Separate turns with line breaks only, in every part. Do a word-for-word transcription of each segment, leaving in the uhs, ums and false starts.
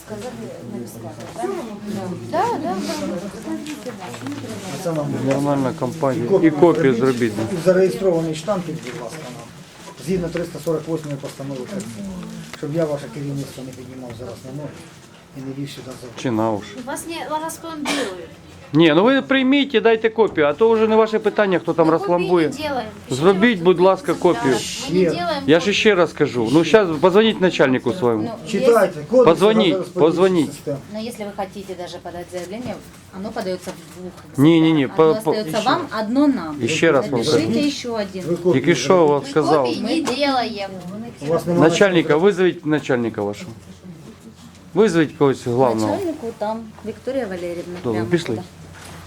сказали на бесплатно, да? Да, да,
Це нам
Нормальна компанія. І копію зробіть.
зареєстрований штампик, будь ласка, нам. Згідно триста сорок восьмої постанови Кабміну. Щоб я ваше керівництво не піднімав зараз на ноги і не вів сюди за.
Чи на уж.
Вас не распломбируют.
Ні, ну ви прийміть і дайте копію, а то вже не ваше питання, хто там розфламбує.
Мы не делаем.
Зробіть, будь ласка, копію.
Мы не делаем.
Я ж ще раз кажу. Ну зараз позвоніть начальнику своєму.
Читайте, кодекс
Позвоніть,
розподільчих
позвоніть.
систем.
Но если вы хотите даже подать заявление, оно подается в двух экземплярах.
Не-не-не,
Одно
по- по-
остается вам, одно нам.
І ще раз вам кажу.
Напишите еще один.
Ви копію
Тільки що вам сказав.
Копий не делаем.
У вас немає
Начальника, визовіть начальника вашого. Визовіть когось главного.
Начальнику там Виктория Валерьевна.
Добре,
прямо
пішли.
туда.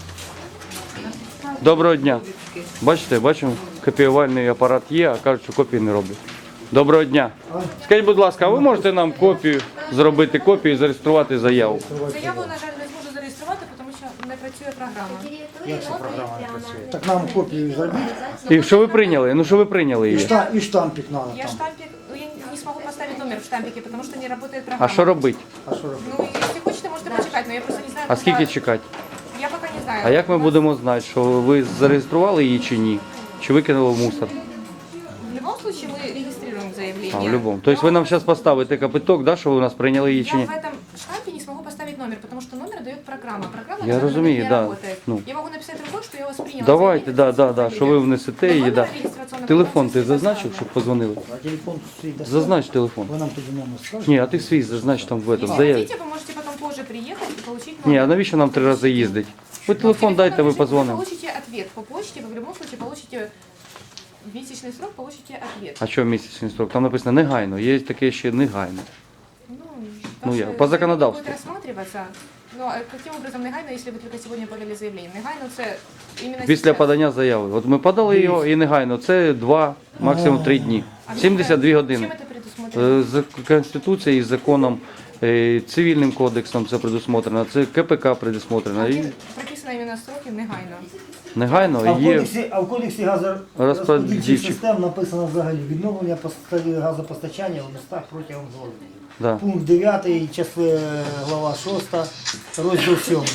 Доброго дня. Бачите, бачимо, копіювальний апарат є, а кажуть, що копії не роблять. Доброго дня. Скажіть, будь ласка, а ви можете нам копію, зробити копію і зареєструвати заяву?
Заяву, на жаль, не зможу зареєструвати, тому що не працює програма.
Як ця програма не працює? Так нам копію зробіть.
І що ви прийняли? Ну що ви прийняли
І,
її?
шта, і штампик надо
Я
там.
штампик, ну, я не смогу поставить номер в штампике, потому что не работает программа.
А що робити?
А що робити?
Ну, если хочете, можете почекать, но я просто не знаю,
А скільки
когда-
чекати?
Я пока не знаю.
А як ми
У нас
будемо знати, що ви зареєстрували її чи ні? Чи викинули в мусор?
В любом случае мы регистрируем заявление.
А, в будь-якому. Тобто ви нам зараз поставите капиток, да, що ви у нас прийняли її чи
Я
ні?
в этом штампе не смогу поставить номер, потому что номер дает программа. Программа
Я
на данный
разумею,
момент не
да.
работает.
Ну.
Я могу написать рукой, что я вас приняла.
Давайте, да, да, да, що ви внесете
Но
її,
номер
да.
регистрационного
Телефон ти
процесса не
зазначив,
поставлю.
щоб позвонили?
А телефон свій дасте?
Зазнач телефон.
Ви нам тоді номер скажете?
Ні, а ти свій зазнач там в этом,
Если
в заяві.
хотите, вы можете потом позже приехать и получить
Ні,
номер.
а навіщо нам три рази їздить? Ви телефон дайте, ми
Вы
позвонимо.
получите ответ по почте, вы в любом случае получите в месячный срок, получите ответ.
А що місячний строк? Там написано негайно, є таке ще негайно.
Ну,
Ну, я-
ваше
по законодавству.
будет рассматриваться. Ну, а каким образом негайно, если вы только сегодня подали заявление? Негайно це іменно
Після
сейчас.
подання заяви. От ми подали його і негайно. Це два, максимум три дні.
А
сімдесят дві
чим
години.
це предусмотрено?
Е, З Конституцією, законом, е, цивільним кодексом це предусмотрено, це КПК предусмотрено. І
Прописано іменно строки негайно.
А
негайно
в
є.
кодексі, а в кодексі газорозподільчих
Розподільчих.
систем написано взагалі відновлення поста- газопостачання в містах протягом згоди.
Да.
Пункт дев'ятий, часи глава шоста, розділ сьомий.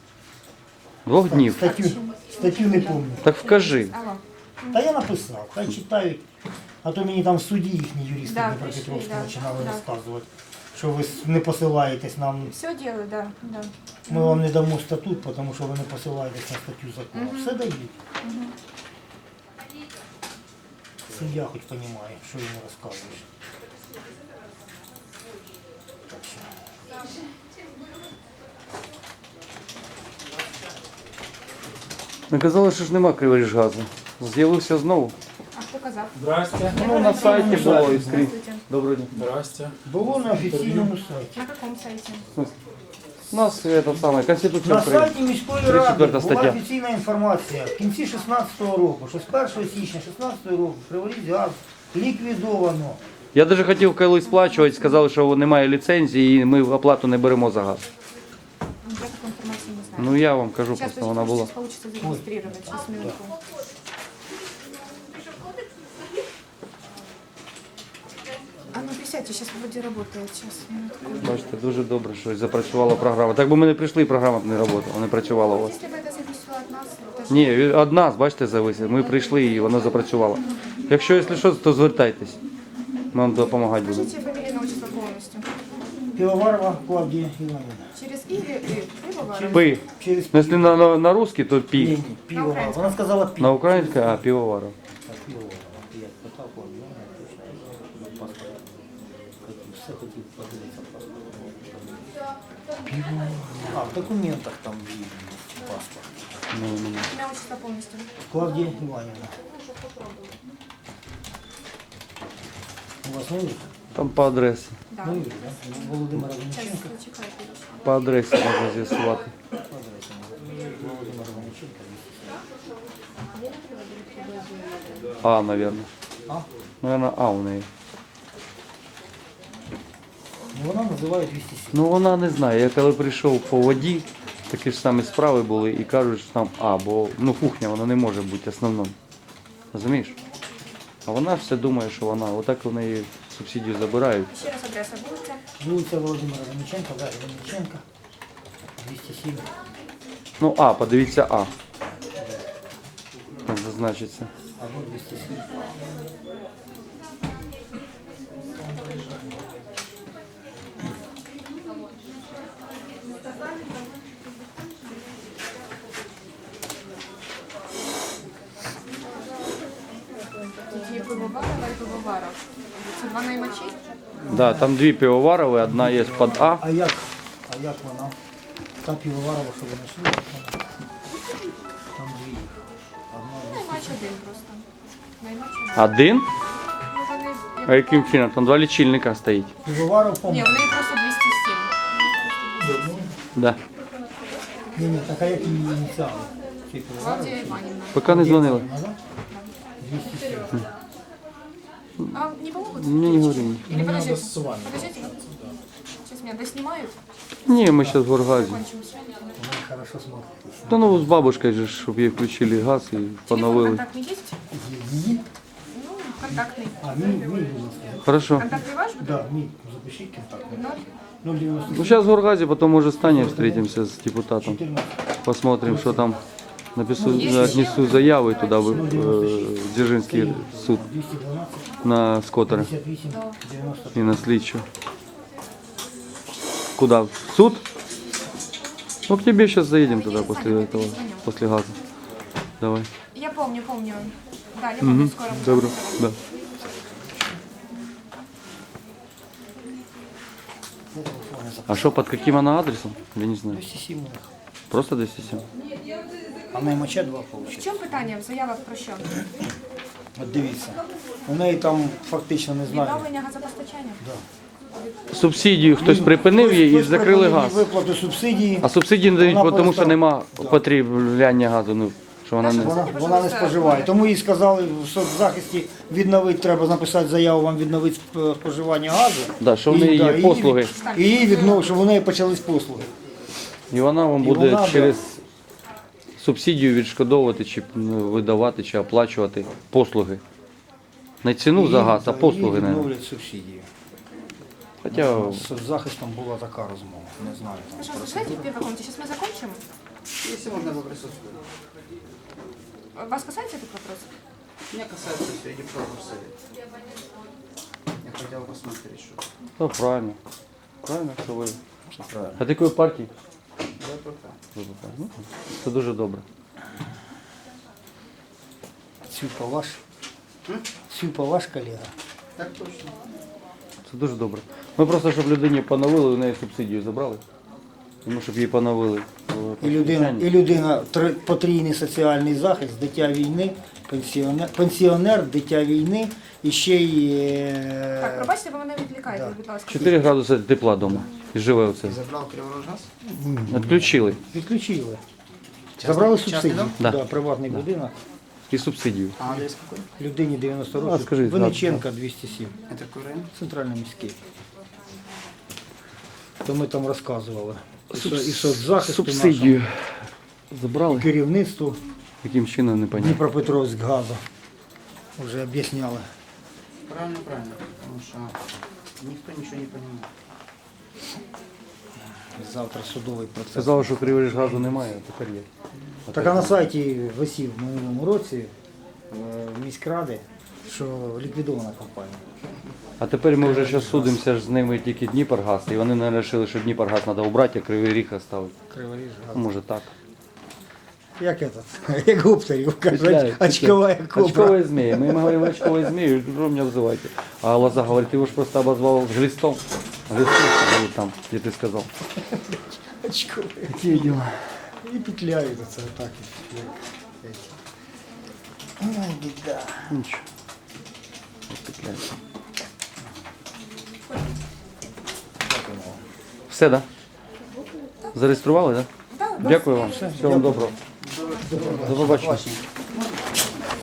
Двох днів.
Статтю, статтю не пам'ятаю.
Так вкажи.
Алло.
Та я написав, хай читають. А то мені там в суді їхні юристи
Да,
Дніпропетровську
прийшли, да,
починали
да.
розказувати, що ви не посилаєтесь нам.
Все делаю, да, да.
Ми вам не дамо статут, тому що ви не посилаєтесь на статтю закону. Все дають. Сім'я хоч розуміє, що йому розказуєш.
Ми казали, що ж нема Криворіжгазу. З'явився знову.
А хто казав?
Здрасте.
Ну, на сайті було і скрізь. Доброго дня.
Здрасте.
Було на офіційному сайті.
На каком сайте?
У нас це саме Конституція
На
України.
сайті міської
тридцять
ради
четверта
була
стаття.
офіційна інформація. В кінці шістнадцятого року, що з першого січня шістнадцятого року Криворіжгаз ліквідовано.
Я навіть хотів колись сплачувати, сказали, що немає ліцензії і ми оплату не беремо за газ.
Я таку інформацію не знаю.
Ну я вам кажу,
Сейчас,
просто вона була.
получится зарегистрировать. Сейчас, минутку. А ну присядьте, сейчас вроде работает. Сейчас, минутку.
Бачите, дуже добре, що запрацювала програма. Так би ми не прийшли, і програма б не працювала, не працювала у вас.
Если бы это зависело от нас, это же-
Ні, від нас, бачите, зависить. Ми прийшли і вона запрацювала. Якщо, якщо що, то звертайтесь. Ми вам допомагати будемо.
Скажите фамилию, имя, отчество полностью.
Півоварова Клавдія Іванівна.
Через И или И? Пивоваров?
Пи.
Через
Ну, якщо на, на, на русский, то
Ні,
пі.
ні, півоварова. Вона сказала пів.
На українське, а півоваров.
Так, півоварова. Я питав Клавдію Іванівну, точно паспорт. Хотів, все хотів подивитися паспорт. А, в документах там є паспорт.
Ну, ну.
Имя, отчество полностью.
Клавдія Іванівна. У вас новий?
Там по адресі.
Да.
Новий, так? Володимира
Сейчас,
Вениченка.
зачекайте.
По адресі можна з'ясувати.
Володимира Вениченка.
А, наверное.
А?
Наверное, А у неї.
Ну, вона називає двісті сім.
Ну вона не знає. Я коли прийшов по воді, такі ж самі справи були і кажуть, що там А, бо ну кухня вона не може бути основною. Розумієш? А вона все думає, що вона, отак в неї субсидію забирають.
Еще раз адреса будете?
Вулиця Володимира Винниченка, да, Винниченка, двісті сім.
Ну, А, подивіться А. Там зазначиться.
Або двісті сім.
Тут є пивоварова і пивоваров. Це два наймачі?
Да, там дві пивоварові, одна є під А.
А як? А як вона? Та півоварова, що ви знайшли? Там дві їх. Одна
Наймач один просто. Наймач один.
Один?
Ну, вони...
А яким чином? Там два лічильника стоїть.
півоваров,
Ні,
по-моєму.
в неї просто двісті сім.
Да.
Ні, ні, така як її ініціали. Ці півоварові.
Клавдія Іванівна.
Поки не дзвонили.
двісті сім.
А не помогут?
Мені не говори.
Или подождите, подождите. Сейчас меня доснимают,
Ні, ми зараз в Горгазі.
кончимся.
Вона хорошо смотрить.
Та ну з бабушкою же, щоб їй включили газ і
Телефон
поновили.
контактный есть?
Її?
Ну, контактный.
А, мій, мій, будь ласка.
Хорошо.
Контактный ваш будет?
Да, мій, запишіть контакт.
Ноль.
нуль дев'яносто
Ну зараз в Горгазі, потім може станем, встретимся з депутатом.
чотирнадцять.
Посмотрим, що там. Напишу, отнесу заяву туди в е, Дзержинський суд
двісті дванадцять,
на скотера
п'ятдесят вісім, дев'яносто.
і на слідчу. Куда? В суд? Ну, к тебе сейчас заедем туда после этого, после газа. Давай.
Я помню, помню. Да, я помню,
Угу.
скоро буду.
Добро. Да. А что, под каким она адресом? Я не знаю.
двісті сім у них.
Просто двести семь?
А наймача два
В
виходить.
чому питання в заявах про що?
От дивіться. У неї там фактично не знаю.
Відновлення газопостачання?
Субсидію хтось припинив її і
Хтось
закрили
припинив
газ.
Виплату субсидії.
А субсидії не дають,
Вона
тому що
перестала-
нема
Да.
потребляння газу. Ну, що вона не...
Вона, вона не споживає. Тому їй сказали, в соцзахисті відновити, треба написати заяву, вам відновити сп- споживання газу.
Да, що в
І,
неї
да,
є
і
послуги.
від- І її віднов, щоб у неї почались послуги.
І вона вам
І
буде
вона, да.
через субсидію відшкодовувати, чи ну, видавати, чи оплачувати послуги. Не ціну за
І,
газ, а
да,
послуги.
і
Не.
відновлять субсидію.
Хоча
З соцзахистом була така розмова. Не знаю. Там.
Пожалуйста, сядьте в первой комнате, сейчас мы закончим.
Если можно, вы присутствуете.
Вас касается этот вопрос?
Меня касается среди прокурор совет. Я хотел посмотреть, что.
то правильно. Правильно, що ви.
Що правильно.
А ти якої партії?
Я пока.
Ну, це дуже добре.
Цюпа ваш? Цюпа ваш колега?
Так точно.
Це дуже добре. Ми просто, щоб людині поновили, у неї субсидію забрали. Тому щоб її поновили.
І людина, і людина три- потрійний соціальний захист, дитя війни, пенсіонер, пенсіонер, дитя війни і ще й е,
Так, пробачте, ви мене відвлікаєте, будь ласка.
чотири градуси тепла вдома. І живе оце.
Забрал Криворожгаз?
Відключили.
відключили. Забрали
частний
субсидію.
дом?
Да.
Да, приватний будинок.
І субсидію.
А адрес какой?
Людині дев'яносто
А,
років.
скажіть,
Винниченка двісті сім.
Это какой район?
Центральний міський. То ми там розказували. І со- І соцзахисту
Субсидію
нашому,
забрали.
керівництву
Яким чином не понятно.
Дніпропетровськ газу. Вже об'ясняли.
Правильно, правильно. Потому что никто ничего не понимает.
Завтра судовий процес.
Сказали, що Криворіж газу немає, а тепер є.
Так а на сайті висів в минулому році е, міськради, що ліквідована компанія.
А тепер ми вже зараз судимося ж з ними тільки Дніпргаз, і вони не вирішили, що Дніпргаз треба убрати, а Кривий Ріг оставити.
Криворіж газ.
Ну, може так.
Як этот, як Гуптерів, кажуть,
Петляють,
очкова
петляють.
кобра.
Очковая змея. Мы ему говорим, очковая змея, что меня вызываете? А Лоза говорит, ты его ж просто обозвал глистом. Глистом говорит, там, где ты сказал.
Очкова.
Какие дела?
І петляють оце отак. як эти. Ой, біда.
Ничего. Вот петляется. Все, да? Зареєстрували, да?
Да,
Дякую вам. Всього вам доброго. До побачення.
Классненько.